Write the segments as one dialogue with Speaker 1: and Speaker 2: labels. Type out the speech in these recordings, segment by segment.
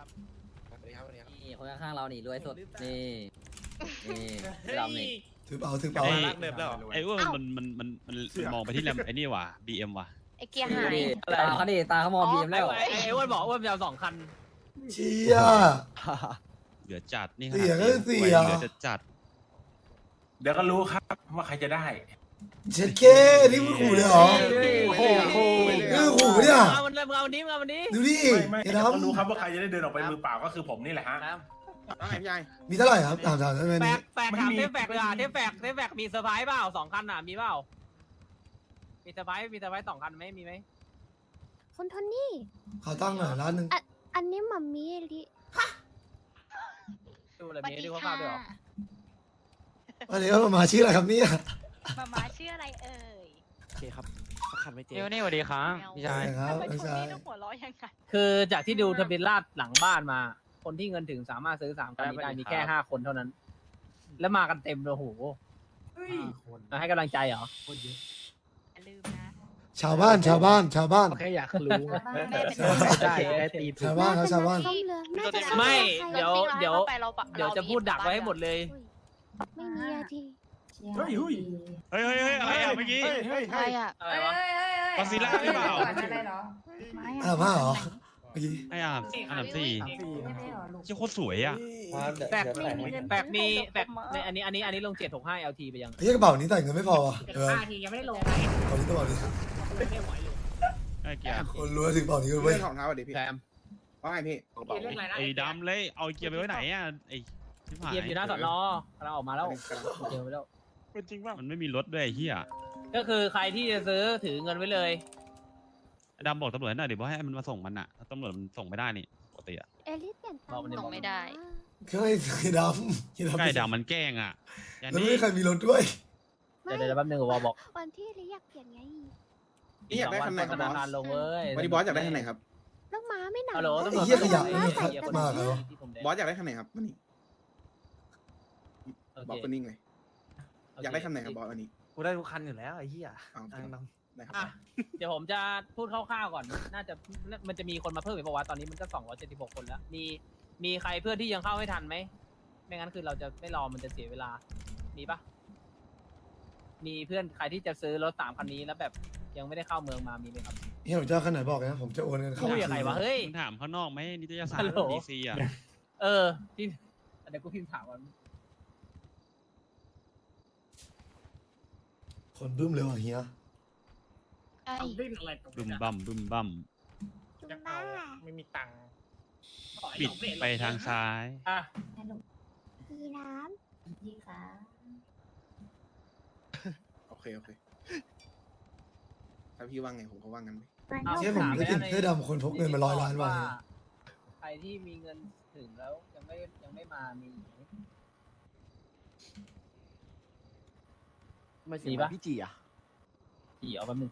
Speaker 1: ครับสวัสดีครับสวัสดีครับ
Speaker 2: นี่คนข้างๆเรานี่รวยสุดนี่ดำนี่
Speaker 3: ถือเปล่าถือเปล่า
Speaker 1: ไอ้รักเดิมแล้ว
Speaker 4: ไอ้อ้วนมันมองไปที่แรมไอ้นี่ว่ะ BM ว่ะ
Speaker 5: ไอเกียร์หาย
Speaker 2: ตาเขาดิตาเขามองบีมแล้ว
Speaker 6: ไอ้อ้วนบอกอ้วนจะเอา2 คัน
Speaker 3: เชี่ย
Speaker 4: เหลือจัดนี่
Speaker 3: เสียก็เสีย
Speaker 4: เหลือจัด
Speaker 7: เดี๋ยวก็รู้ครับว่าใครจะได้
Speaker 3: เช็ดเคนี่มึงขู่เลยเหรอ
Speaker 6: โอ้โห
Speaker 3: นี่มึงขู่เนี่ย
Speaker 6: เอามันเลยมึงเอาวันนี้มึงเอาวันนี้
Speaker 3: ดูดิ
Speaker 7: ไม่
Speaker 3: ไอ้
Speaker 7: เดี๋ยวก็
Speaker 3: ดำ
Speaker 7: รู้ครับว่าใครจะได้เดินออกไปมือเปล่าก็คือผมนี่แหละฮะ
Speaker 1: ว่าไงพี่ใหญ่
Speaker 3: มีเท่าไหร่ครับถามได้ไหม
Speaker 6: แฟ
Speaker 3: นี่
Speaker 6: กแฟกถามเทปแฟกเลยอ่ะเทปแฟกมีเซอร์ไพรส์เปล่า2 คันอ่ะมีเปล่ามีเซอร์ไพรส์2 คันไหมมีไหม
Speaker 5: คุณโทนี่
Speaker 3: ขอตั้งหน่อยร้านหนึ่ง
Speaker 5: อันนี้หมัมมี่ลิ
Speaker 6: ดูอะไรมีดูข้าวๆด้วยเหรอ
Speaker 3: วันนี้มาชื่ออะไรครับเนี่ย
Speaker 5: มาชื่ออะไรเอ่ย
Speaker 1: โอเคครับขันไม่เจ๊
Speaker 8: เดี๋ยวนี่สวัสดีครับพี่ชาย
Speaker 3: ครับ
Speaker 5: ทำไม
Speaker 3: ไม่
Speaker 5: โท
Speaker 3: ใช่
Speaker 5: นี่ต้องหัวเราะยังไง
Speaker 6: คือจากที่ดูทะเบียนราษฎร์หลังบ้านมา คนที่เงินถึงสามารถซื้อ3 คันนี้ได้มีแค่5 คนเท่านั้น แล้วมากันเต็มเลยโอ้โหให้กำลังใจเหรอ
Speaker 5: อย่าลืมนะ
Speaker 3: ชาวบ้าน
Speaker 1: แค่อยากรู้
Speaker 5: ได้
Speaker 1: ได้ตีถูก
Speaker 3: ชาวบ้านครับชาวบ้าน
Speaker 5: ซ่อมเรือน่าจะ
Speaker 6: ไม่
Speaker 5: ใช่
Speaker 6: เดี๋ยวจะพูดดักไว้ให้หมดเลย
Speaker 5: ไม่มีอะที
Speaker 7: เฮ้ยเฮ้ย
Speaker 4: เฮ้ยอะไรอ่ะเมื่อกี้
Speaker 5: ใครอะ
Speaker 6: อะไรวะ
Speaker 4: กอซิล่าหรือเปล่า
Speaker 3: อ่ามาเหรอเมื่อกี้
Speaker 4: ไอ้อันดับ4เจ้าโคตรสวยอ่ะ
Speaker 6: แฟกมีแฟกในอันนี้ลง765 LT ไปยัง
Speaker 3: ไอ้กระเป๋านี้ใส่เงินไม่พอว่ะเออ
Speaker 6: ทียังไม่ได้ลง
Speaker 3: กระเป๋านี้กระเป๋านี้
Speaker 6: ไม่ไหวเลย
Speaker 4: ไอ้เกียร์
Speaker 3: คนรวยถึงกระเป๋านี้กันเว้ย
Speaker 1: เรื่องของเท้าดิพี่
Speaker 6: แซม
Speaker 1: ว่าไงพี่
Speaker 6: เรื่องอะไรนะ
Speaker 4: ไอ้ดำเลยเอาเกียร์ไปไว้ไหนอ่ะไอ้ชิบหาย
Speaker 6: เกียร์อยู่หน้าสอนอเราออกมาแล้วเจอไปแล้ว
Speaker 1: เป็นจริงป่ะ
Speaker 4: มันไม่มีรถด้วยไอ้เหี้ย
Speaker 6: ก็คือใครที่จะซื้อถือเงินไว้เลย
Speaker 4: ไอ้ดำบอกตำรวจหน่อยดิว่าให้มันมาส่งมันอ่ะตำรวจมันส่งไม่ได้นี่ปกติอ่ะ
Speaker 5: เอลิสเปลี่ยนตังค์
Speaker 6: ส่งไม่ได้
Speaker 3: เคยไอ้ดำ
Speaker 4: ใกล้ดำมันแกล้งอ่ะอย่าง
Speaker 3: แล้ว
Speaker 4: นี้
Speaker 3: ไม่มีใครมีรถด้วย
Speaker 6: เดี๋ยวแป๊บนึงวอบอก
Speaker 5: วันที่ลิอยากเปลี่ยนไง
Speaker 1: นี่อยากได้คันไหนครับ
Speaker 6: ธนาคารลงเว้ย
Speaker 1: วันนี้บอสอยากได้คันไหนครับ
Speaker 5: ลูกม้าไม่หนา
Speaker 6: ฮัลโหล
Speaker 3: ไอ้เหี้ยขยะไม่มีใครมาเหรอ
Speaker 1: บอสอยากได้คันไหนครับวันนี้บอสก็นิ่งเลยอยากได้คันไหนครับบอสวันนี้
Speaker 8: กูได้ทุกคันอยู่แล้วไอ้เหี้ย
Speaker 1: เอาได้ครับ
Speaker 6: อ่ะเดี๋ยวผมจะพูดคร่าวๆก่อน น่าจะมันจะมีคนมาเพิ่มอีกประวัติตอนนี้มันก็276 คนแล้ว มีใครเพื่อนที่ยังเข้าไม่ทันไหม ไม่งั้นคือเราจะไม่รอมันจะเสียเวลา มีปะมีเพื่อนใครที่จะซื้อรถ3 คันนี้แล้วแบบยังไม่ได้เข้าเมืองมามีไหมครับ
Speaker 3: เฮียผมจะเอาคันไหนบอกนะผมจะโอนเงินเข้า
Speaker 6: คุยกับใครวะเฮ้ย
Speaker 4: มึงถามข้างนอกไหมนิตยสา
Speaker 6: ฮั
Speaker 4: ร
Speaker 6: ลโหล
Speaker 4: ดีซีอ่ะ
Speaker 6: เออที่เดี๋ยวกูพิมพ์ถามก่อน
Speaker 3: คนบึ้มเลยว่ะเฮีย
Speaker 5: ไอ้
Speaker 6: ดิ้นอะไรตรง
Speaker 4: บึม
Speaker 6: นี้
Speaker 4: บัมบึมบัม
Speaker 5: จุงบ้า
Speaker 6: ไม่มีตังค์
Speaker 4: ปิดไปทางซ้าย
Speaker 6: อ่ะ
Speaker 5: พี่น้ำพี่ขา
Speaker 1: โอเคถ้าพี่ว่างไงผมก็ว่างงั้น
Speaker 3: เชี่ยผมได้กลินเสื้อดำคนพกเงินมา100 ล้านว่ะ
Speaker 6: ใครที่มีเงินถึงแล้วยังไม่มามีไหม มีปะ
Speaker 1: พี่จีอ่ะ
Speaker 6: กี่เอาแป๊บนึง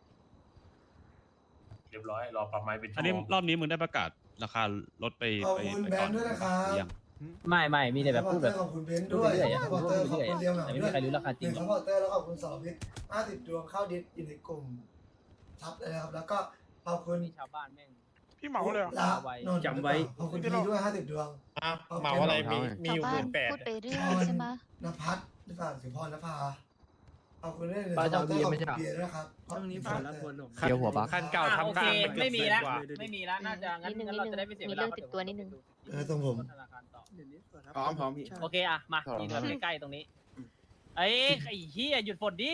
Speaker 7: เรียบร้อยรอปรับไม้เป็นชั่
Speaker 4: อัน
Speaker 7: ว
Speaker 4: นี้
Speaker 7: โมง
Speaker 4: รอบนี้มึงได้ประกาศราคารถไป
Speaker 3: ขอบ
Speaker 4: ไป
Speaker 3: คุณ
Speaker 4: ไป
Speaker 3: แบ
Speaker 4: ก่อน น
Speaker 3: ด์ด้วยนะครับ
Speaker 4: หรือยัง
Speaker 6: ไม่มีแต่แบบพูดแบบ
Speaker 3: ขอบคุณเบนซ์ด้วย
Speaker 6: พูดเรื่อยๆอะ
Speaker 3: ซัพพอร์เตอร์ขอบคุณเรียวเหงา
Speaker 6: แต่ไม่
Speaker 3: ด้
Speaker 6: มี
Speaker 3: วย
Speaker 6: ใครรู้ราคาจริงหร
Speaker 3: ซั
Speaker 6: อ
Speaker 3: พพอร์เตอร์แล้วขอบคุณ2พิษ50 ดวงเข้าดิสอยู่ในกลุ่มทับเลยนะครับ แล้วก็ขอบคุณ
Speaker 6: มีชาวบ้านแม่ง
Speaker 9: พี่เหมาเลยเหรอ
Speaker 3: ละนนท์
Speaker 9: จำไว้
Speaker 3: ขอบคุณพี่ด้วย50 ดวง
Speaker 9: เหมาอะไรมีอยู่
Speaker 5: ชาว
Speaker 9: ห
Speaker 5: บ้า
Speaker 9: มื่
Speaker 5: น
Speaker 9: นแปด
Speaker 5: พูดไปเรื่อยใช่ไหม
Speaker 3: นภัสหรือเปล่าสิพรณภาขอบคุณด้วยเลย
Speaker 1: ป้าจะเอา
Speaker 3: ซัพพอร์ต
Speaker 1: เบียร์ไม่ใช่เหรอ
Speaker 3: เบียร์ด้วยนะครับ
Speaker 1: ช่วงนี้ฝนแล้วฝน
Speaker 8: เดี๋ยวหัวบัก
Speaker 9: คันเก่า
Speaker 6: โอ
Speaker 9: ทำ
Speaker 6: เค
Speaker 9: ทางมันเกือบ
Speaker 6: ไม่มี
Speaker 9: เดือน
Speaker 6: แล้ว
Speaker 9: กว่า
Speaker 6: ไม่มีแล้วน่าจะงั้นเราจะได้ไม่เสียเว
Speaker 5: มี
Speaker 6: ลา
Speaker 5: เรื่องติดตัวนิดนึง
Speaker 3: ตรงผม
Speaker 6: ธนาคารต่อ
Speaker 1: พร้อมพี่
Speaker 6: โอเคอะมาทีเดียวใกล้ๆตรงนี้ไอ้เหี้ยหยุดฝนดิ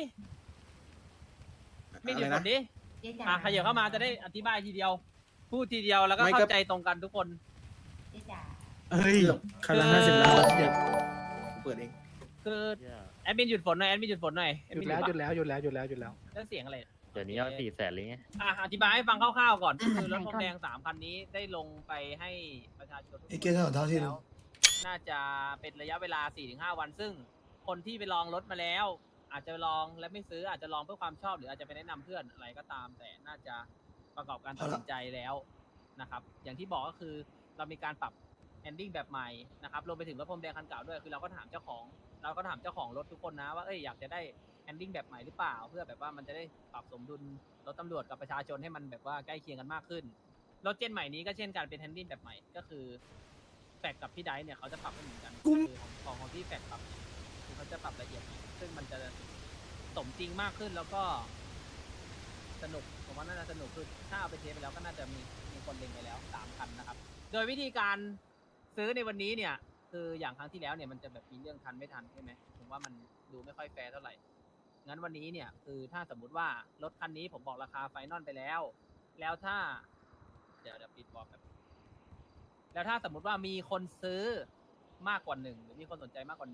Speaker 6: ไม่หยุดฝนดิอ่ะขยับเข้ามาจะได้อธิบายทีเดียว พูดทีเดียวแล้วก็เข้าใจตรงกันทุกคน
Speaker 1: เฮ้ยคันละ50 ล้านเดี๋ยวเปิดเอง
Speaker 6: คือแอดมินหยุดฝนหน่อยแอดมินหยุดฝนหน่อย
Speaker 9: หยุดแล้วหยุดแล้วหยุดแล้วหยุดแล้วหยุดแล้ว
Speaker 6: แล้วเสียงอะไร
Speaker 8: เดี๋ยวนี้เอา400,000เลยไง
Speaker 6: อธิบายให้ฟังคร่าวๆก่อนก็คือรถพรมแดง3 คันนี้ได้ลงไปให้ประชาชนทุกคน
Speaker 3: ไอ้เกย์ถนนเท่าที่
Speaker 6: แล้
Speaker 3: นึ
Speaker 6: ว
Speaker 3: ง
Speaker 6: น่าจะเป็นระยะเวลา 4-5 วัน ซึ่งคนที่ไปลองรถมาแล้ว อาจจะลองและไม่ซื้ออาจจะลองเพื่อความชอบหรืออาจจะไปแนะนำเพื่อนอะไรก็ตาม แต่น่าจะประกอบการตัดสินใจแล้วนะครับอย่างที่บอกก็คือเรามีการปรับแอนดิ้งแบบใหม่นะครับรวมไปถึงรถพรมแดงคันเก่าด้วยคือเราก็ถามเจ้าของรถทุกคนนะว่าอยากจะได้แอนดิ้งแบบใหม่หรือเปล่า เพื่อแบบว่ามันจะได้ปรับสมดุลรถตำรวจกับประชาชนให้มันแบบว่าใกล้เคียงกันมากขึ้นรถเจนใหม่นี้ก็เช่นกันเป็นแฮนดิ้งแบบใหม่ก็คือแฟกกับพี่ไดเนี่ยเขาจะปรับไม่เหมือนกันคือของที่แฟกปรับเนี่ยคือเขาจะปรับละเอียดหน่อยซึ่งมันจะสมจริงมากขึ้นแล้วก็สนุกผมว่าน่าจะสนุกคือถ้าเอาไปเทสไปแล้วก็น่าจะมีคนเล็งไปแล้ว3 คันนะครับโดยวิธีการซื้อในวันนี้เนี่ยคืออย่างครั้งที่แล้วเนี่ยมันจะแบบมีเรื่องทันไม่ทันใช่ไหมผมว่ามันดูไม่ค่อยแฟร์เท่าไหร่งั้นวันนี้เนี่ยคือถ้าสมมุติว่ารถคันนี้ผมบอกราคาไฟนอลไปแล้วถ้าเดี๋ยวปิดบอกแบบแล้วถ้าสมมุติว่ามีคนซื้อมากกว่า1หรือมีคนสนใจมากกว่า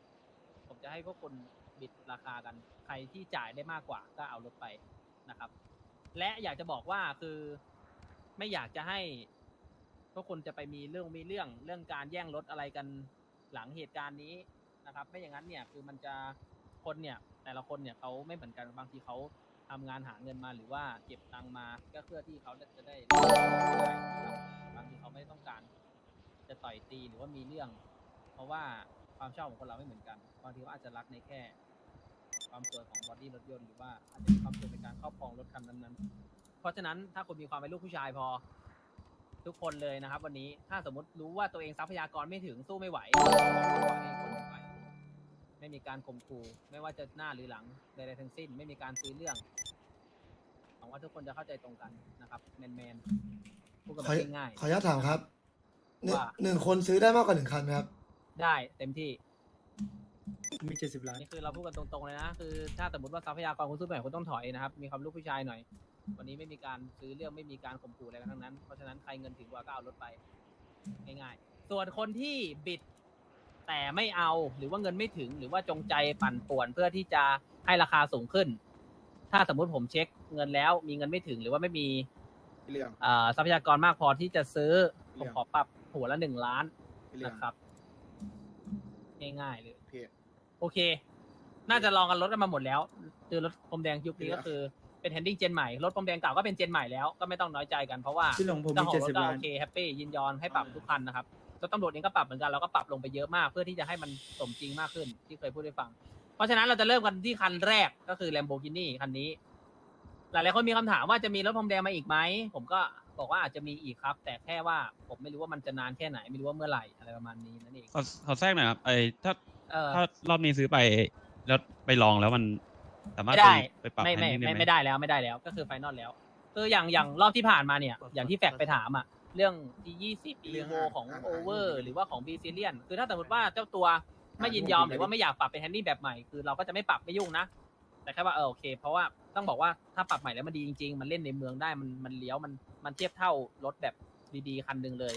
Speaker 6: 1ผมจะให้พวกคุณบิดราคากันใครที่จ่ายได้มากกว่าก็เอารถไปนะครับและอยากจะบอกว่าคือไม่อยากจะให้พวกคุณจะไปมีเรื่องการแย่งรถอะไรกันหลังเหตุการณ์นี้นะครับไม่อย่างนั้นเนี่ยคือมันจะคนเนี่ยแต่ละคนเนี่ยเขาไม่เหมือนกันบางทีเขาทำงานหาเงินมาหรือว่าเก็บตังค์มาก็เพื่อที่เขาจะได้บางทีเขาไม่ต้องการจะต่อยตีหรือว่ามีเรื่องเพราะว่าความชอบของคนเราไม่เหมือนกันบางทีเขาอาจจะรักในแค่ความสวยของบอดี้รถยนต์หรือว่าอาจจะมีความสวยในการครอบครองรถคันนั้นๆเพราะฉะนั้นถ้าคุณมีความเป็นลูกผู้ชายพอทุกคนเลยนะครับวันนี้ถ้าสมมติรู้ว่าตัวเองทรัพยากรไม่ถึงสู้ไม่ไหวให้คนไปไม่มีการข่มขู่ไม่ว่าจะหน้าหรือหลังใดๆทั้งสิ้นไม่มีการซื้อเรื่องหวังว่าทุกคนจะเข้าใจตรงกันนะครับแมนพูดกันแบบง่ายๆ
Speaker 3: ขออนุญาตถามครับ
Speaker 6: ว่า
Speaker 3: หนึ่งคนซื้อได้มากกว่า1 คันไหมครับ
Speaker 6: ได้เต็มที่
Speaker 1: มี70 ล้าน
Speaker 6: นี่คือเราพูดกันตรงๆเลยนะคือถ้าสมมติว่าทรัพยากรคุณสู้ไม่ไหวคุณต้องถอยนะครับมีความลูกผู้ชายหน่อยวันนี้ไม่มีการซื้อเรื่องไม่มีการข่มขู่อะไรกันทั้งนั้นเพราะฉะนั้นใครเงินถึงกว่าก็เอารถไปง่ายๆส่วนคนที่บิดแต่ไม่เอาหรือว่าเงินไม่ถึงหรือว่าจงใจปั่นป่วนเพื่อที่จะให้ราคาสูงขึ้น ถ้าสมมุติผมเช็คเงินแล้วมีเงินไม่ถึงหรือว่าไม่มี
Speaker 1: เรื่อง
Speaker 6: ทรัพยากรมากพอที่จะซื้อผ
Speaker 1: เรื่
Speaker 6: ม
Speaker 1: อง
Speaker 6: ขอปรับหัวละ1 ล้าน
Speaker 1: เรื่อง
Speaker 6: นะครับง่ายๆเลย
Speaker 1: เพจ
Speaker 6: โอเค น่าจะลองกันรถกันมาหมดแล้วคือรถพรมแดงยุคนี้ก็คือเป็นแฮนดิ้งเจนใหม่รถพรมแดงเก่าก็เป็นเจนใหม่แล้วก็ไม่ต้องน้อยใจกันเพราะว่า
Speaker 1: พี่หลงผม
Speaker 6: เจ้า
Speaker 1: มี
Speaker 6: ของรถก็
Speaker 1: 70 ล้า
Speaker 6: โอน เคแฮปปี้ยินยอมให้ปรับทุกคันนะครับรถตำรวจเองก็ปรับเหมือนกันเราก็ปรับลงไปเยอะมากเพื่อที่จะให้มันสมจริงมากขึ้นที่เคยพูดให้ฟัง เพราะฉะนั้นเราจะเริ่มกันที่คันแรกก็คือ Lamborghini คันนี้ หลายๆคนมีคำถามว่าจะมีรถพรมแดงมาอีกไหมผมก็บอกว่าอาจจะมีอีกครับ แต่แค่ว่าผมไม่รู้ว่ามันจะนานแค่ไหนไม่รู้ว่าเมื่อไหร่อะไรประมาณนี้นั่นเอง
Speaker 4: ขอแทรกหน่อยครับถ้า
Speaker 6: เ
Speaker 4: ถ้ารอบนี้ซื้อไปแล้วไปลองแล้วมันสามารถ
Speaker 6: ไม่ได้
Speaker 4: ไปปรับ
Speaker 6: ไม่
Speaker 4: แฮนดิ้งได้ไหม
Speaker 6: ไม่ได้แล้วก็คือไฟนอลแล้วคืออย่างรอบที่ผ่านมาเนี่ยอย่างที่แฟกไปถามอ่ะเรื่องที่20
Speaker 1: เรื่
Speaker 6: อี
Speaker 1: อง
Speaker 6: โวของ
Speaker 1: อ่ะ
Speaker 6: โอเวอร์หรือว่าของบีซิเลียนคือถ้าสมมติว่าเจ้าตัวไม่ยินยอมหรือว่าไม่อยากปรับเป็นแฮนดิ้งแบบใหม่คือเราก็จะไม่ปรับไม่ยุ่งนะแต่แค่ว่าโอเค เพราะว่าต้องบอกว่าถ้าปรับใหม่แล้วมันดีจริงๆมันเล่นในเมืองได้มันเลี้ยวมันเทียบเท่ารถแบบดีๆคันหนึ่งเลย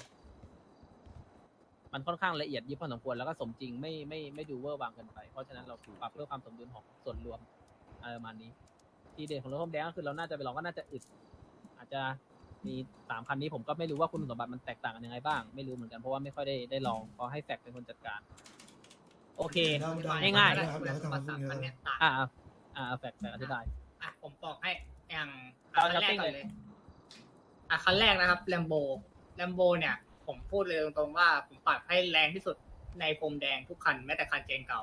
Speaker 6: มันค่อนข้างละเอียดยิบพอสมควรแล้วก็สมจริงไม่ดูเวอร์วางเกินไปเพราะฉะนั้นเราปรับเพื่อความสมดุลของส่วนรวมอะไรประมาณนี้ทีเด่นของรถพรมแดงก็คือเราน่าจะไปลองก็น่าจะอึดอาจจะมี3 คันนี้ผมก็ไม่รู้ว่าคุณสมบัติมันแตกต่างกันยังไงบ้างไม่รู้เหมือนกันเพราะว่าไม่ค่อยได้ลองเพราะให้แฟกเป็นคนจัดการ โอเค ง่ายๆ
Speaker 3: นะครับเดี๋ยวเขาทำมาพรุ่งนี้แล้ว
Speaker 6: แฟกอธิบาย
Speaker 10: ผมบอกให้อย่าง
Speaker 6: เอา
Speaker 10: คันแรก
Speaker 6: จับปิ้ง
Speaker 10: ก่อน
Speaker 6: เล
Speaker 10: เลย ยคันแรกนะครับแลมโบเนี่ย ผมพูดเลยตรงๆว่าผมปรับให้แรงที่สุดในพรมแดงทุกคันแม้แต่คันเจนเก่า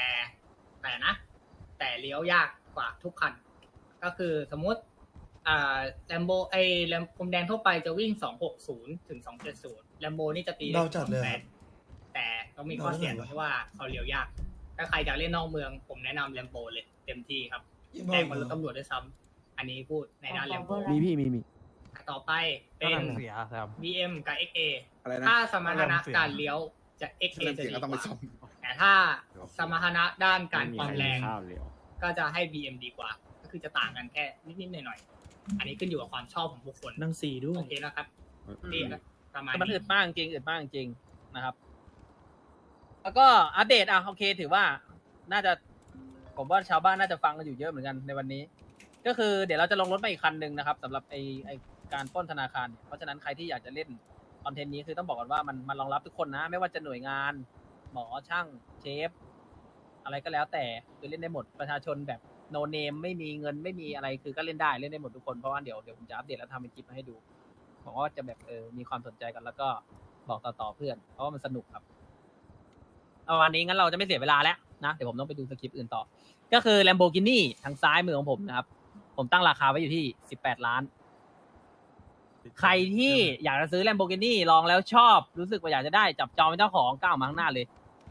Speaker 10: แต่เลี้ยวยากกว่าทุกคัน ก็คือสมมุติแลมโบพรมแดงทั่วไปจะวิ่ง260ถึง270แลมโบนี่จะตี
Speaker 3: เราจัดเลย
Speaker 10: 28แต่ต้องมีข้อเสียตรงที่ว่าเขาเลี้ยวยาก ถ้าใครอยากเล่นนอกเมืองผมแนะนำแลมโบเลยเต็มที่ครับ
Speaker 3: ยิ่ง
Speaker 10: แพงกว่ารถตำรวจด้วยซ้ำอันนี้พูดในด้านแลมโบ
Speaker 8: มี
Speaker 10: ต่อไปเป็น
Speaker 8: เสียครับ
Speaker 10: BM กับ XA
Speaker 1: อะไรนะ
Speaker 10: ถ้าสมรรถนะการเลี้ยวจะ XA จะ
Speaker 1: เสียง
Speaker 10: ดี
Speaker 1: ก็ต้อง
Speaker 10: ก
Speaker 1: ไป
Speaker 10: ว่า
Speaker 1: ซ่อม
Speaker 10: แต่ถ้าสมรรถนะด้านการความแรง ก็จะให้ BM ดีกว่า ก็คือจะต่างกันแค่นิดๆหน่อยๆอันนี้ขึ้นอยู่กับความชอบของบุคคล
Speaker 1: นั่ง4ด้วย
Speaker 10: โอเคนะครับนี่ประมาณ
Speaker 6: มัน
Speaker 10: นี้
Speaker 6: อึดมากจริงนะครับ แล้วก็อัปเดตโอเคถือว่าน่าจะผมว่าชาวบ้านน่าจะฟังกันอยู่เยอะเหมือนกันในวันนี้ ก็คือเดี๋ยวเราจะลงรถมาอีกคันหนึ่งนะครับสำหรับไอการปล้นธนาคารเนี่ยเพราะฉะนั้นใครที่อยากจะเล่นคอนเทนต์นี้คือต้องบอกก่อนว่ามันรองรับทุกคนนะ ไม่ว่าจะหน่วยงาน หมอช่างเชฟอะไรก็แล้วแต่คือเล่นได้หมดประชาชนแบบโนเนมไม่มีเงินไม่มีอะไรคือก็เล่นได้เล่นได้หมดทุกคนเพราะว่าเดี๋ยวผมจะอัปเดตแล้วทำเป็นคลิปมาให้ดูบอกว่าจะแบบมีความสนใจกันแล้วก็บอกต่อเพื่อนเพราะว่ามันสนุกครับเอาวันนี้งั้นเราจะไม่เสียเวลาแล้วนะเดี๋ยวผมต้องไปดูสคริปต์อื่นต่อก็คือ Lamborghini ทางซ้ายมือของผมนะครับผมตั้งราคาไว้อยู่ที่18 ล้านใครที่อยากจะซื้อ Lamborghini ลองแล้วชอบ รู้สึกว่าอยากจะได้จับจองเป็นเจ้าของก้าวมาข้างหน้าเลย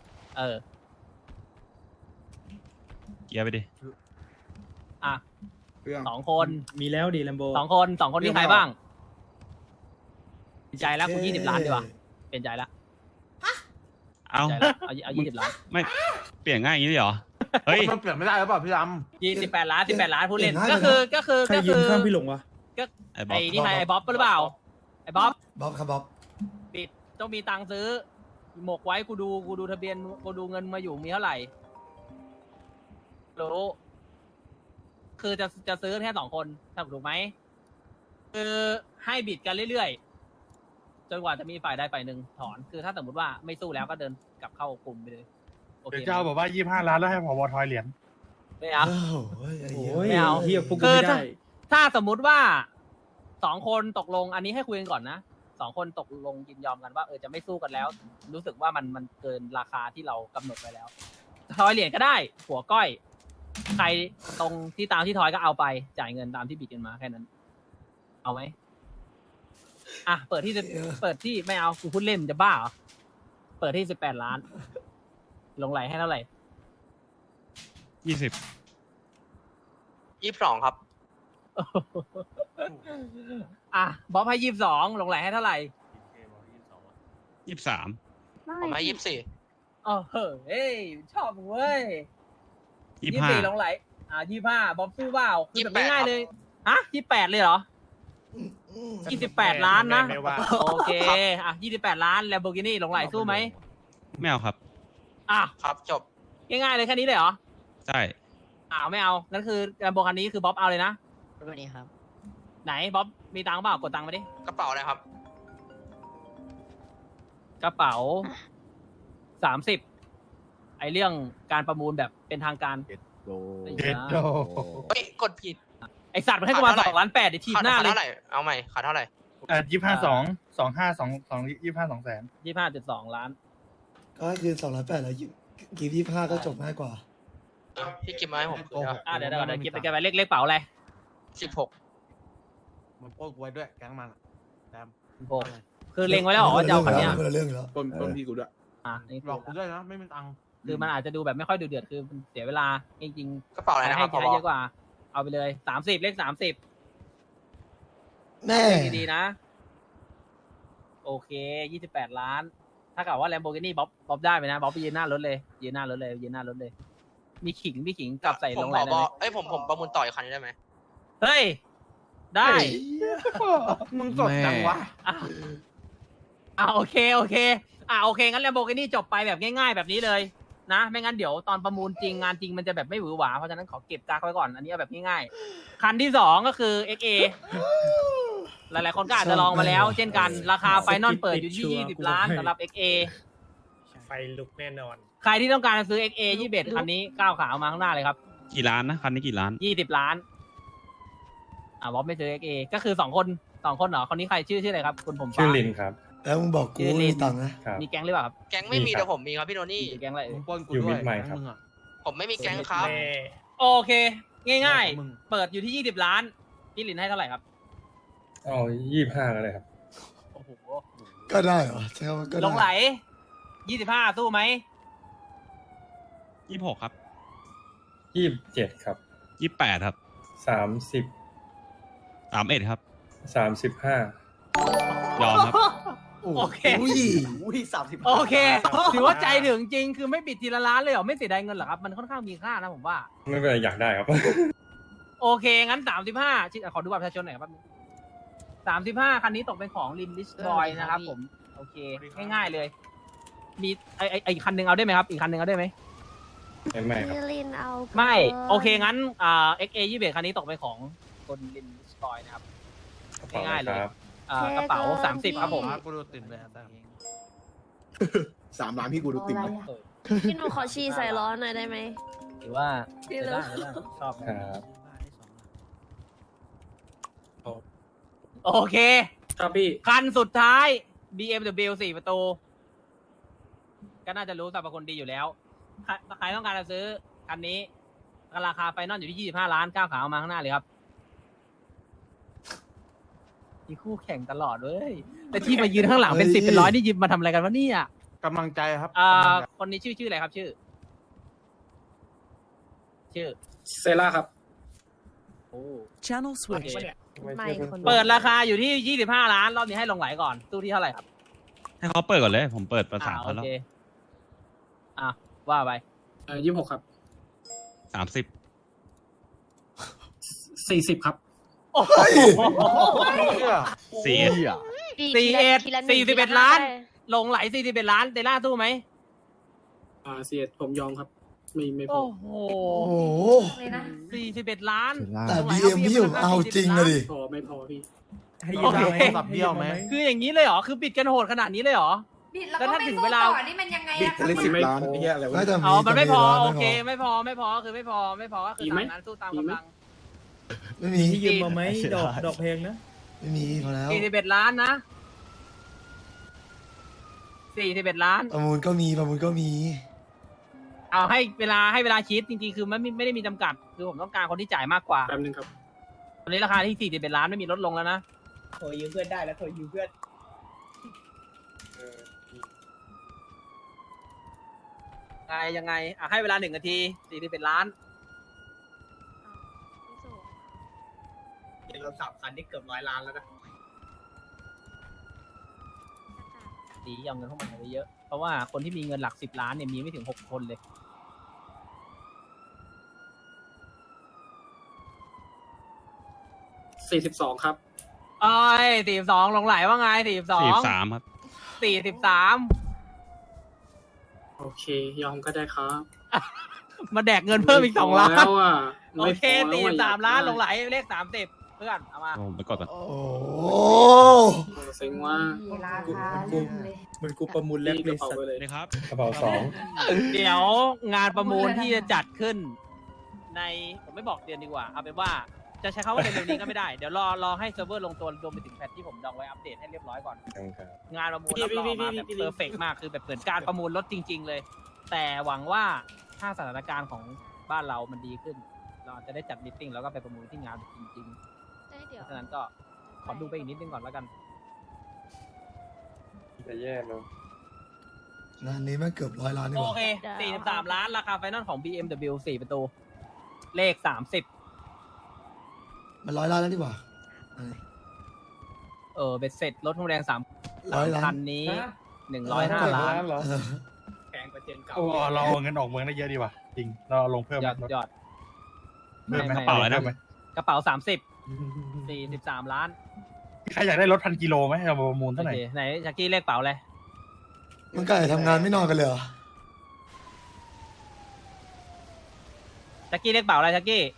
Speaker 4: เกียร์ไปดิ
Speaker 6: อ่ะ
Speaker 1: เรื่อง
Speaker 6: 2 คน
Speaker 1: มีแล้วดีแลมโบ
Speaker 6: 2 คนที่ใครบ้างเปลี่ยนใจแล้วกู20 ล้านดีกว่าเปลี่ยนใจแล้ว
Speaker 4: เอา
Speaker 6: ใจแล้วเอา20 ล้าน
Speaker 4: ไม่เปลี่ยนง่ายอย่างนี้เลยเหรอ เฮ้ย
Speaker 8: มันเปลี่ยนไม่ได้หรือเปล่าพี่ด
Speaker 6: 28 ล้าน18 ล้านพูดเล่น
Speaker 3: เปลี่ยนได้
Speaker 1: ใครยืนข้างพี่หลงวะ
Speaker 4: ไอ้บ๊อบ
Speaker 6: ไอ้นี่ใครไอ้บ๊อบหรือเปล่าไอ้บ๊อบ
Speaker 3: บ๊อบครับบ๊อบ
Speaker 6: ปิดต้องมีตังค์ซื้อ หมกไว้กูดูทะเบียนกูดูเงินมาอยู่มีเท่าไหร่รู้คือจะซื้อแค่2 คนถูกไหมคือให้บิดกันเรื่อยๆจนกว่าจะมีฝ่ายใดฝ่ายหนึ่งถอนคือถ้าสมมติว่าไม่สู้แล้วก็เดินกลับเข้ากลุ่มไปเลยโอ
Speaker 9: ำ
Speaker 6: เค
Speaker 9: เดี๋ยวเจ้าบอกว่า25 ล้านแล้วให้ผบทอยเหรียญ
Speaker 6: ไม่เอา
Speaker 3: โอ้ยไอ้
Speaker 1: โอ้
Speaker 3: เหี้ย
Speaker 1: ย
Speaker 6: ไม่เอา
Speaker 1: เฮียพวกกู
Speaker 6: คือ
Speaker 1: ไม่ได้
Speaker 6: ถ้าสมมุติว่า2 คนตกลงอันนี้ให้คุยกันก่อนนะ2 คนตกลงยินยอมกันว่าจะไม่สู้กันแล้ว รู้สึกว่ามันเกินราคาที่เรากำหนดไว้แล้วทอยเหรียญก็ได้หัวก้อย ใครตรงที่ตามที่ทอยก็เอาไปจ่ายเงินตามที่บิดกันมาแค่นั้น เอาไหมอ่ะเปิดที่ไม่เอากูพูดเล่นจะบ้าเหรอเปิดที่18 ล้าน ลงไหลให้เท่าไหร่
Speaker 4: 20
Speaker 8: 22ครับ
Speaker 6: อ่ะบ๊อบให้22ลงไหลให้เท่าไหร่
Speaker 4: 23
Speaker 8: ผมให้24
Speaker 6: เฮ้ยชอบมึงเว้ย
Speaker 4: 25
Speaker 6: ลงไหล25บ๊อบสู้เปล่าคือแบบ
Speaker 8: 28
Speaker 6: ง่ายๆเลยฮะ28เลยเหรอ28 ล้านนะ
Speaker 9: ไม่ว่า
Speaker 6: โอเคอ่ะ28 ล้าน Lamborghini ลงไหลสู้ไหม
Speaker 4: ไม่เอาครับ
Speaker 6: อ่ะ
Speaker 8: ครับจบ
Speaker 6: ง่ายๆเลยแค่นี้เลยเหรอ
Speaker 4: ใช่
Speaker 6: ไม่เอานั่นคือ Lambo คันนี้คือบ๊อบเอาเลยนะ
Speaker 2: วันนี้ครับ
Speaker 6: ไหนบ๊อบมีตังค์เปล่ากดตังค์มาดิ
Speaker 8: กระเป๋าอะไรครับ
Speaker 6: กระเป๋า30ไอเรื่องการประมูลแบบเป็นทางการ
Speaker 9: เด็ดโด
Speaker 8: เฮ้ย กดผิด
Speaker 6: ไอสัตว์มันให้กูมา2 ล้าน8เดี๋ยวทีบหน้า
Speaker 8: ขาด
Speaker 6: เลย
Speaker 8: เท่าไหร่ เอาใหม่ขาดเท่าไหร่
Speaker 6: 25.2 ล้าน
Speaker 3: ก็คือ208แล้วกีบ25ก็จบง่ายกว่า
Speaker 8: พี่กิมมาให้ผมคือ
Speaker 6: เดี๋ยวเก็บไปกันไปเลขเป๋าอะไร
Speaker 8: 16
Speaker 9: มันโป้กูไว้ด้วยแก๊งมันแดม
Speaker 6: คือเล็งไว้แล้วเหรอว่าจะเอาคันเนี้ย
Speaker 3: คนละเรื่องอยู่แล้ว
Speaker 1: ต้นพี่กูด้วย
Speaker 6: นี่
Speaker 9: หลอกกูด้วยนะ ไม่มีตังค์
Speaker 6: คือมันอาจจะดูแบบไม่ค่อยดูเดือดคือมันเสียเวลาจริง
Speaker 8: กระเป๋า
Speaker 6: ๆ
Speaker 8: อะไรนะครับ
Speaker 6: ให้เยอะกว่า เอาไปเลย30เลข30
Speaker 3: แม่
Speaker 6: ดีๆนะ โอเค28 ล้าน ถ้าเกิดว่า Lamborghini บ๊อบได้ไหมนะบ๊อบไปยืนหน้ารถเลยยืนหน้ารถเลย มีขิงกลับใส่
Speaker 8: ผ
Speaker 6: ล
Speaker 8: ม
Speaker 6: ง
Speaker 8: ข
Speaker 6: ไหล
Speaker 8: อ
Speaker 6: ได้
Speaker 8: บ
Speaker 6: ไห
Speaker 8: อ
Speaker 6: ม
Speaker 8: กเอ้ยผมประมูลต่ออีกคันนี้ได้ไหม
Speaker 6: เฮ้ย ได้
Speaker 9: มึงสดจังวะ
Speaker 6: โอเคโอเคงั้น Lamborghini จบไปแบบง่ายๆ แบบนี้เลยนะไม่งั้นเดี๋ยวตอนประมูลจริงงานจริงมันจะแบบไม่หวือหวาเพราะฉะนั้นขอเก็บกักไว้ก่อนอันนี้เอาแบบง่ายๆคันที่2ก็คือ XA หลายๆคนก็อาจจะลองมาแล้ว เช่นกันราคาไฟนอลเปิดอยู่ที่20 ล้านสำหรับ XA
Speaker 9: ไฟลุกแน่นอน
Speaker 6: ใครที่ต้องการจะซื้อ XA 21คันนี้ก้าวขามาข้างหน้าเลยครับ
Speaker 4: กี่ล้านนะ คันนี้กี่ล้าน
Speaker 6: 20 ล้านบ๊อบไม่ซื้อ XA ก็คือ2 คนเหรอคนนี้ใครชื่ออะไรครับคุณผมฟ้า
Speaker 9: ชื่อลินครับ
Speaker 3: แล้วมึงบอกกูไม่มีตังค์นะ
Speaker 6: มีแก๊งหรือเปล่าครับ
Speaker 8: แก๊งไม่มีแต่ผมมีครับพี่โทนี่
Speaker 6: มีแก๊งอะไร
Speaker 9: มึงปล้นกูด้วยแก๊งมึงอ่ะ
Speaker 8: ผมไม่มีแก๊งครับ
Speaker 6: โอเค ง่ายๆ เปิดอยู่ที่20 ล้านพี่ลินให้เท่าไหร่ครับ
Speaker 9: อ๋อ25ก็ได้ครับ
Speaker 6: โอ้โห
Speaker 3: ก็ได้เหรอใช่ว่าก็ได้
Speaker 6: ลงไหล25สู้ไหม
Speaker 4: 26 ครับ
Speaker 9: 27ครับ
Speaker 4: 28 ครับ
Speaker 9: 30
Speaker 4: 31 ครับ
Speaker 9: 35
Speaker 4: ยอมครับ
Speaker 6: โอเค
Speaker 3: อุ้ย
Speaker 6: โอเค ถือว่าใจถึงจริงคือไม่ปิดทีละล้านเลยเหรอไม่เสียดายเงินเหรอครับมันค่อนข้างมีค่านะผมว่า
Speaker 9: ไม่เป็นไรอยากได้ครับ
Speaker 6: โอเค งั้น35ขอดูบัตรประชาชนหน่อยครับ35คันนี้ตกเป็นของลินลิสบอยนะครับผมโอเคง่ายๆเลย มีไอคันหนึ่งเอาได้ไหมครับอีกคันหนึ่งเอาได้ไหม
Speaker 9: ไม่ครับ
Speaker 5: พี่ลินเอา
Speaker 6: ไม่โอเคงั้นXA 21คันนี้ตกเป็นของคนลินลิสบอยนะครับง่ายๆเลย
Speaker 9: ครับ
Speaker 6: กระเป๋า30ครับผม
Speaker 9: กูดูตื่นเลยครับ
Speaker 1: 3 ล้านพี่กูดูติ่มเลย
Speaker 5: พี่หนูขอชีใส่ล้อหน่อยได้ไหม
Speaker 6: หรือว่า
Speaker 5: พี่
Speaker 6: ได้
Speaker 5: เลิฟ
Speaker 6: ชอบ
Speaker 9: ครับ
Speaker 6: โอเค
Speaker 1: ครับพี่
Speaker 6: คันสุดท้าย BMW 4 ประตู ก็น่าจะรู้สรรพคุณดีอยู่แล้ว ใครต้องการจะซื้อคันนี้ราคาไฟนอลอยู่ที่25 ล้านก้าวขาออกมาข้างหน้าเลยครับมีคู่แข่งตลอดเว้ยแต่ที่มายืนข้างหลังเป็น10เป็น100นี่ยืนมาทำอะไรกันวะเนี่ย
Speaker 1: กำลังใจครับ
Speaker 6: คนนี้ชื่ออะไรครับชื่อ
Speaker 1: เซล่าครับ
Speaker 6: โอ้
Speaker 10: Channel
Speaker 6: โอเค
Speaker 5: ไม่คน
Speaker 6: เปิดราคาอยู่ที่25 ล้านรอบนี้ให้ลงไหลก่อนตู้ที่เท่าไหร่ครับ
Speaker 4: ให้เขาเปิดก่อนเลย ผมเปิดประสาน
Speaker 6: โอ
Speaker 4: เขาแล้ว
Speaker 6: เคว่าไป
Speaker 1: 26 ครับ
Speaker 4: 30
Speaker 1: 40 ครับ
Speaker 6: โอ้โห
Speaker 4: สี่
Speaker 6: 41 ล้าน ลงไหล41 ล้านเตล่าตู้ไหม
Speaker 1: 41ผมยอมครับ ไม่พอ
Speaker 6: โอ้โห
Speaker 3: โอ้โห
Speaker 5: เลยนะ
Speaker 6: 41 ล้าน
Speaker 3: แต่ BM พี่ผมเอาจริงอะดิ
Speaker 1: ไม่พอพี่
Speaker 6: ให้ยืมไหมสับเบี้ยวไหมคืออย่างนี้เลยเหรอคือบิดกันโหดขนาดนี้เลยเหรอ
Speaker 5: บิดแล้ว
Speaker 6: แล้ว
Speaker 5: ก็
Speaker 6: ถ้า
Speaker 5: ไม่
Speaker 6: ถึง
Speaker 5: สู้
Speaker 6: เวลา
Speaker 5: ต่อนี่มันยังไงอะคะ
Speaker 1: 10 ล้านไอ้เหี้ยอะไรวะ
Speaker 3: ไม่แต่
Speaker 6: อ๋อมันไม่พอ
Speaker 3: แต่
Speaker 6: โอเคไม่พอคือไม่พอก็คือ
Speaker 1: มีไหม
Speaker 6: ตามนั้นสู้ตามกำลัง
Speaker 3: ไม่มี
Speaker 1: ที่ยืมมาไหมดอกเพลงนะ
Speaker 3: ไม่มีพอแล้ว
Speaker 6: 41 ล้านนะ41 ล้าน
Speaker 3: ประมูลก็มี
Speaker 6: เอาให้เวลาคิดจริงๆคือไม่ได้มีจำกัดคือผมต้องการคนที่จ่ายมากกว่า
Speaker 1: แป๊บนึงครับ
Speaker 6: ตอนนี้ราคาที่41 ล้านไม่มีลดลงแล้วนะ
Speaker 10: โทรยืมเพื่อนได้แล้วโทรยืมเพื่อน
Speaker 6: ยังไงให้เวลา1 นาที41 ล้าน
Speaker 10: เดี๋ยวเรา3 คันที่เกือบ100 ล้านแล้วนะ
Speaker 6: ดีเอาเงินพวกมันไปเยอะเพราะว่าคนที่มีเงินหลัก10 ล้านเนี่ยมีไม่ถึง6 คนเลย
Speaker 1: 42 ครับ
Speaker 6: เอ้ย42ลงไหลว่าไง42
Speaker 4: 43ครับ
Speaker 6: 43
Speaker 1: โอเค ยอมก็ได้ครับ
Speaker 6: มาแดกเงินเพิ่มอีก2 ล้าน
Speaker 1: แล้วอ่ะ
Speaker 6: โอเค43 ล้านลงไหลเลข30เพื่อนเอามา
Speaker 4: ผมไปกดก่อน
Speaker 3: โอ้
Speaker 1: เซ็งว่า
Speaker 5: ราคาเริ่มเลย
Speaker 1: มันกูประมูลแลกเลยสัตว์เลย
Speaker 4: นี่ครับ
Speaker 9: กระเป๋าสอง
Speaker 6: เดี๋ยวงานประมูลที่จะจัดขึ้น ในผมไม่บอกเดือนดีกว่าเอาเป็นว่าจะใช้คำว่าเร็วๆนี้ก็ไม่ได้เดี๋ยวรอให้เซิร์ฟเวอร์ลงตัวรวมไปถึงแพทที่ผมดองไว้อัปเดตให้เรียบร้อยก่อน
Speaker 9: ครับ
Speaker 6: งานประมูลรับรองออกมาแบบเพอร์เฟกมากคือแบบเหมือนการประมูลรถจริง ๆ เลย แต่หวังว่าถ้าสถานการณ์ของบ้านเรามันดีขึ้น เราอาจจะได้จัดมิทติ้งแล้วก็ไปประมูลที่งานจริงๆเพราะฉะนั้นก็ขอดูไปอีกนิดนึงก่อนแล้วกัน
Speaker 9: จะแย่เนอะ
Speaker 3: งานนี้แม่งเกือบ100 ล้านนี่ห
Speaker 6: โอ
Speaker 3: ว่า
Speaker 6: เค43 ล้านราคาไฟนอลของ BMW 4 ประตู เลข 30
Speaker 3: มัน100 ล้านแล้วดีกว่า
Speaker 6: เบ็ดเสร็จรถทองแดง3
Speaker 3: 100 ล้า
Speaker 6: คั
Speaker 3: น
Speaker 6: นนี้105 ล้าน
Speaker 9: เหรอ
Speaker 3: เออ
Speaker 10: แพงกว่าเจนเก่า
Speaker 9: โอ้เราเอาเงินออกเมืองได้เยอะดีว่ะจริงเราเอาลงเพิ่ม
Speaker 6: ยอด
Speaker 9: ไหม
Speaker 6: ยอด
Speaker 9: เพิ่มไหม
Speaker 6: ไม่
Speaker 4: กระเป๋าอะไรนะ
Speaker 9: พิ่มหม
Speaker 6: กระเป๋า30 43 ล้าน
Speaker 9: ใครอยากได้รถ1,000 กิโลไหมเราประมูลเท่าไหร่
Speaker 6: โอเคไหนชักกี้เลขเป๋าเลย
Speaker 3: มึงก็ทำงานไม่นอนกันเลยเหรอ
Speaker 6: ชักกี้เลขเป๋าอะไรชักกี้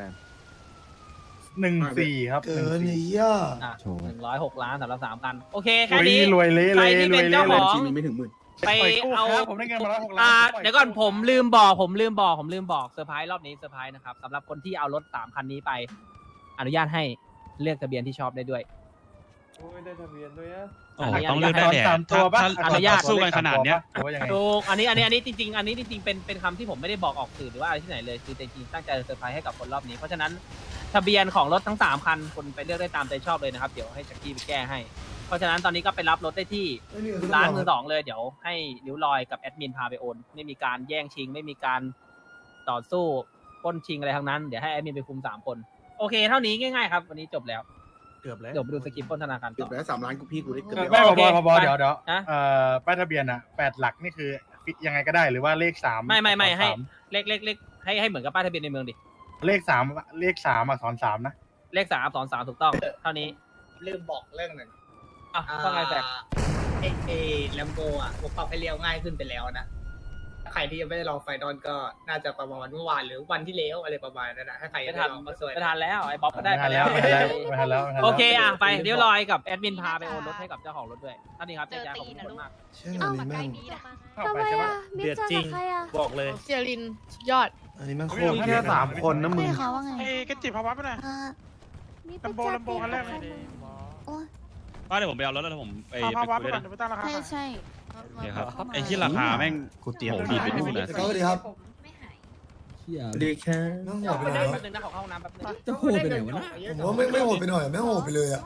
Speaker 9: 14 ครับ
Speaker 3: เกินไอ้เหี้ย
Speaker 6: อ่ะ106 ล้านสำหรับ3 คัน โอเค
Speaker 9: รวย
Speaker 6: แค่นี้
Speaker 9: รวยเละ
Speaker 6: ใค
Speaker 9: เล
Speaker 6: ร
Speaker 9: ย
Speaker 6: ที่
Speaker 9: ร
Speaker 6: เป็
Speaker 9: วย
Speaker 6: น
Speaker 9: เละ
Speaker 6: เจ้า
Speaker 9: เล
Speaker 6: ข
Speaker 9: ย
Speaker 6: อง
Speaker 1: มีไม่ถึงหมื่น
Speaker 6: ไป
Speaker 9: ปล่อยกู้
Speaker 6: เอา
Speaker 9: ครับผมได้เงินมาแล้ว6 ล้าน
Speaker 6: เดี๋ยวก่อนผมลืมบอกเซอร์ไพรส์รอบนี้เซอร์ไพรส์นะครับสำหรับคนที่เอารถ3 คันนี้ไป อนุญาตให้เลือกทะเบียนที่ชอบได้ด้วย
Speaker 9: โอ้ยได้ทะเบียนด้วยอะ
Speaker 4: โอ้โหต้องเลือกได้แหละ
Speaker 9: ตามตัวปะ
Speaker 4: ถ้าสู้กันขนาดเนี้ย
Speaker 9: หรือว่ายังไง
Speaker 6: ถูกอันนี้จริงๆเป็นคำที่ผมไม่ได้บอกออกสื่อหรือว่าอะไรที่ไหนเลยคือจริงๆตั้งใจเซอร์ไพรส์ให้กับคนรอบนี้เพราะฉะนั้นทะเบียนของรถทั้ง3 คันคุณไปเลือกได้ตามใจชอบเลยนะครับเดี๋ยวให้แจ็คกี้ไปแก้ให้เพราะฉะนั้นตอนนี้ก็ไปรับรถได้ที่
Speaker 3: ไม่มีเงิน
Speaker 6: ร้านมือสองเลยเดี๋ยวให้นิ้วลอยกับแอดมินพาไปโอนไม่มีการแย่งชิง ไม่มีการต่อสู้ปล้นชิงอะไรทั้งนั้นเดี๋ยวให้แอดมินไปคุม3 คนโอเคเท่านี้ง่ายๆครับวันนี้จบแล้ว
Speaker 1: เกือบแล้ว
Speaker 6: เดี๋ยวไปดูสกิปปล้นธนาคาร
Speaker 1: เกื
Speaker 6: ต่
Speaker 1: อบ
Speaker 6: อ
Speaker 1: แล้ว3 ล้านกูพี่กูได้เกือบ
Speaker 9: ไม่
Speaker 1: แล้ว
Speaker 6: โอเค
Speaker 9: พอบ
Speaker 6: ไป
Speaker 9: เดี๋ยว
Speaker 6: ฮะ
Speaker 9: ป้ายทะเบียนอะ8 หลักนี่คือยังไงก็ได้หรือว่าเลข3
Speaker 6: ไม่ให้เลขให้เหมือนกับป้ายทะเบียนในเมืองดิ
Speaker 9: เลข3อักษร3นะ
Speaker 6: เลข3 2 3ถูกต้องเท่านี้
Speaker 10: ลืมบอกเรื่องหนึ่ง
Speaker 6: อ่ะว่าไงแฟก
Speaker 10: แลมโบอ่ะผมปรับให้เลี้ยวง่ายขึ้นไปแล้วนะถ้าใครที่ยังไม่ได้ลองไฟนอลก็น่าจะประมาณเมื่อวานหรือวันที่แล้วอะไรประมาณนั้นนะถ้าใครยัง
Speaker 6: ไม่
Speaker 10: ไม่
Speaker 6: ทั
Speaker 10: ได้
Speaker 6: น
Speaker 10: ลองก็สวย
Speaker 6: ไม่ทันแล้วไอ้บ๊อบก็ได้ไปแล้ว
Speaker 9: ไม่ทันแล้ว
Speaker 6: โอเคอ่ะไปเดี๋ยวลอยกับแอดมินพาไปโอนรถให้กับเจ้าของรถด้วยท่านนี้ครับเจ๊จ้าขอบคุณทุกคนมาก
Speaker 3: เชื่องานนี้แม่ง
Speaker 5: ทำไมอ่ะมิเจอกับใครอ่ะ
Speaker 1: บอกเลย
Speaker 5: เซียรินสุดยอด
Speaker 3: อันนี้แม่งโคตร
Speaker 9: มีแค่3 คนนะมึง
Speaker 5: ไม่เขาว่าไง
Speaker 1: กระจิบภาวะไปหน่อย
Speaker 5: มี
Speaker 1: ลำโบลำโบคันแรกเลย
Speaker 5: โอ้ย
Speaker 4: ก็เดี๋ยวผมไปเอารถแล้วผมไป
Speaker 1: ภาวะ
Speaker 4: คุ
Speaker 1: ไป
Speaker 4: ย
Speaker 1: ก่
Speaker 4: ด้
Speaker 1: อ
Speaker 4: วน ยนะ
Speaker 1: เดี๋ยวไปตั้งราคา
Speaker 5: ใช่ใช่
Speaker 4: โอเคครับไอ้ที่ราคาแม่ง
Speaker 1: กูเตรียม
Speaker 4: โหดีดไปนู่นนะ
Speaker 3: สวัสดีครับ
Speaker 1: ดีแค่
Speaker 3: แม่งโห
Speaker 6: เดี๋ยว
Speaker 3: ดไป
Speaker 6: ไป
Speaker 3: หน่
Speaker 6: ได้
Speaker 3: อย
Speaker 6: แป๊บนึงนะขอเข้าห้องน้ำแป๊บนึง
Speaker 1: จะโหดไปไหนวะนะ
Speaker 3: ผมว่าไม่โหดไปหน่อยแม่งโหดไปเลยอะ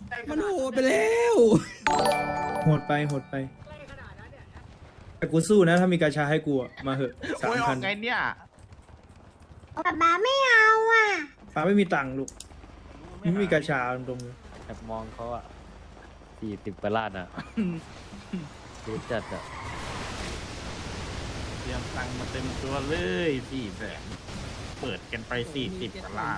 Speaker 1: มันโหดไปแล้ว โหดไปโหดไป แต่กูสู้นะถ้ามีกาชาให้กูอะมาเหอะ3,000
Speaker 9: ไงเนี่ย
Speaker 5: ป๊าป๊าไม่เอาอ่ะ
Speaker 1: ป้าไม่มีตังค์ลูกไม่มีกาชาตรงๆเลย
Speaker 2: แอบมองเขาอ่ะ40กว่าล้านอ่ะเยอะจัดอ่ะ
Speaker 9: เตรียมตังค์มาเต็มตัวเลย400,000เปิดกันไป40กว่าล้าน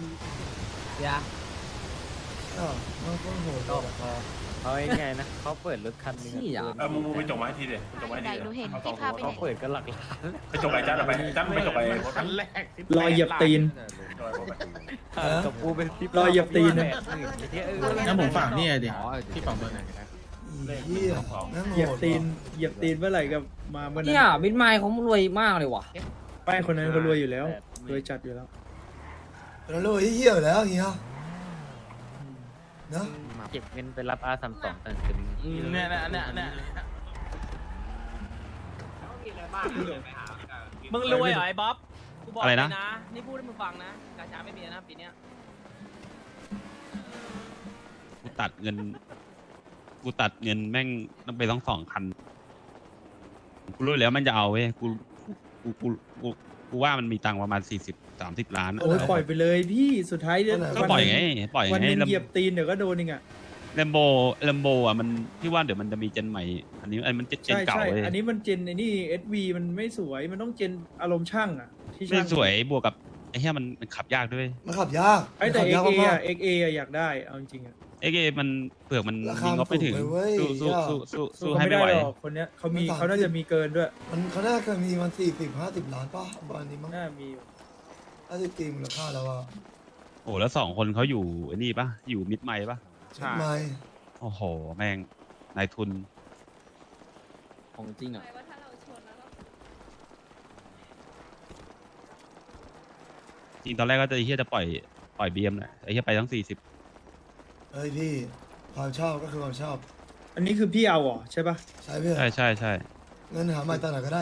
Speaker 3: อ้าวมันก็โหด
Speaker 2: ก็พอเขาง่ายๆนะเขาเปิดรถคันนึง
Speaker 7: เออมูไปจบมาให้ทีเดียวจบมาให้ที
Speaker 5: ไหน
Speaker 7: เดียว
Speaker 5: หนูเห็น
Speaker 7: เอาสอง
Speaker 5: ที่พาไป
Speaker 7: ตัว
Speaker 2: เขาเปิดก็หลักล้าน
Speaker 7: ไปจบไปจัดเอาไปจัดไปจบไป
Speaker 9: คันแรก
Speaker 1: รอเหยียบตีน
Speaker 2: กับกูเป็น10
Speaker 1: รอเหยียบตีน
Speaker 9: งั้นผมฝากนี่ดิที่ฝั่งตัวไหนก็ได้
Speaker 3: เหี้ยนั่งโห
Speaker 1: เหยียบ
Speaker 3: ด
Speaker 1: ตีนเหยียบตีนเมื่อไหร่กับมาเมื่อนั้น
Speaker 6: เนี่ยบินไมค์เขารวยมากเลยว่ะ
Speaker 1: ป้ายคนนั้นเขารวยอยู่แล้วรวยจัดอยู่แล้ว
Speaker 3: แล้วรู้เหี้ยอยู่แล้วเฮียนะ
Speaker 2: เก็บเงินไปรับR32ตันเป็น
Speaker 9: เนี่ย
Speaker 6: มึงรวยเหรอไอ้บ๊อบกูบอก
Speaker 4: อะไร
Speaker 6: เล
Speaker 4: นะ
Speaker 6: ยนะนี่พูดให้มึงฟังนะกาชาไม่มีนะปีเนี้ย
Speaker 4: กูตัดเงินแม่งต้องไปต้อง2 คันกูรู้แล้วมันจะเอาเว้ยกูว่ามันมีตังค์ประมาณ40-30 ล้านอะ
Speaker 1: โอ้ยปล่อยไปเลยพี่สุดท้ายเนี่ย
Speaker 4: ก็ปล่อยไงปล่อย
Speaker 1: วัน
Speaker 4: ไง
Speaker 1: หนึงเหยียบตีนเดี๋ยวก็โดนเองอ่ะ
Speaker 4: แลมโบอ่ะมันพี่ว่าเดี๋ยวมันจะมีเจนใหม่ อันนี้มันเจน
Speaker 1: ใช่
Speaker 4: เก่า
Speaker 1: ใช่
Speaker 4: เลย
Speaker 1: อันนี้มันเจนไอ้นี่ SV มันไม่สวยมันต้องเจนอารมณ์ช่างอ่ะที่
Speaker 4: ไม่
Speaker 1: ช่าง
Speaker 4: สวยบวกกับไอ้เหี้ยมันขับยากด้วย
Speaker 3: มันขับยาก
Speaker 1: ไอ้แต่
Speaker 3: ขับยาก
Speaker 1: XA
Speaker 3: มา
Speaker 1: อ่ะ
Speaker 3: ก
Speaker 1: XA อ่ะอยากได้เอาจริงๆอ่ะ
Speaker 4: เอ็กเอมันเปลือกมัน
Speaker 3: รา
Speaker 4: มี
Speaker 3: คาง
Speaker 4: บไม่ถึง
Speaker 3: สูงเลยเว้ย
Speaker 4: สู้ให้ไม่ไหว
Speaker 1: ด้หรอกคนเนี้ยเขามี
Speaker 3: มัน30
Speaker 1: เขาน่าจะมีเกินด้วย
Speaker 3: มันเขาน่าจะมีมัน40-50 ล้านป่ะประมาณนี้มั้ง
Speaker 1: น่ามีอยู่
Speaker 3: ถ้าจะตีมูลค่าแล้วว่า
Speaker 4: โอ้แล้ว2 คนเขาอยู่ไอ้นี่ปะอยู่มิดไมล์ปะ
Speaker 3: ไม่
Speaker 4: โอ้โหแม่งนายทุน
Speaker 2: ของจริงอ่ะ
Speaker 4: จริงตอนแรกก็จะไอ้เฮียจะปล่อยบีเอ็มแหละไอ้เฮียไปทั้ง40
Speaker 3: เฮ้ยพี่ความชอบก็คือความชอบ
Speaker 1: อันนี้คือพี่เอาเหรอใช่ปะ
Speaker 3: ใช่เพื่อน
Speaker 4: ใช่
Speaker 3: เงินหาใหม่ตอนไหนก็ได้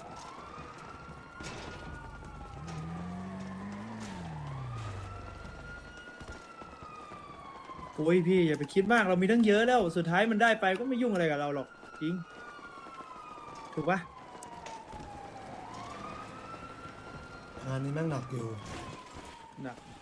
Speaker 1: โอ้ยพี่อย่าไปคิดมากเรามีตั้งเยอะแล้วสุดท้ายมันได้ไปก็ไม่ยุ่งอะไรกับเราหรอกจริงถูกปะ
Speaker 3: งานนี้แม่งหนักอยู่
Speaker 1: หนัก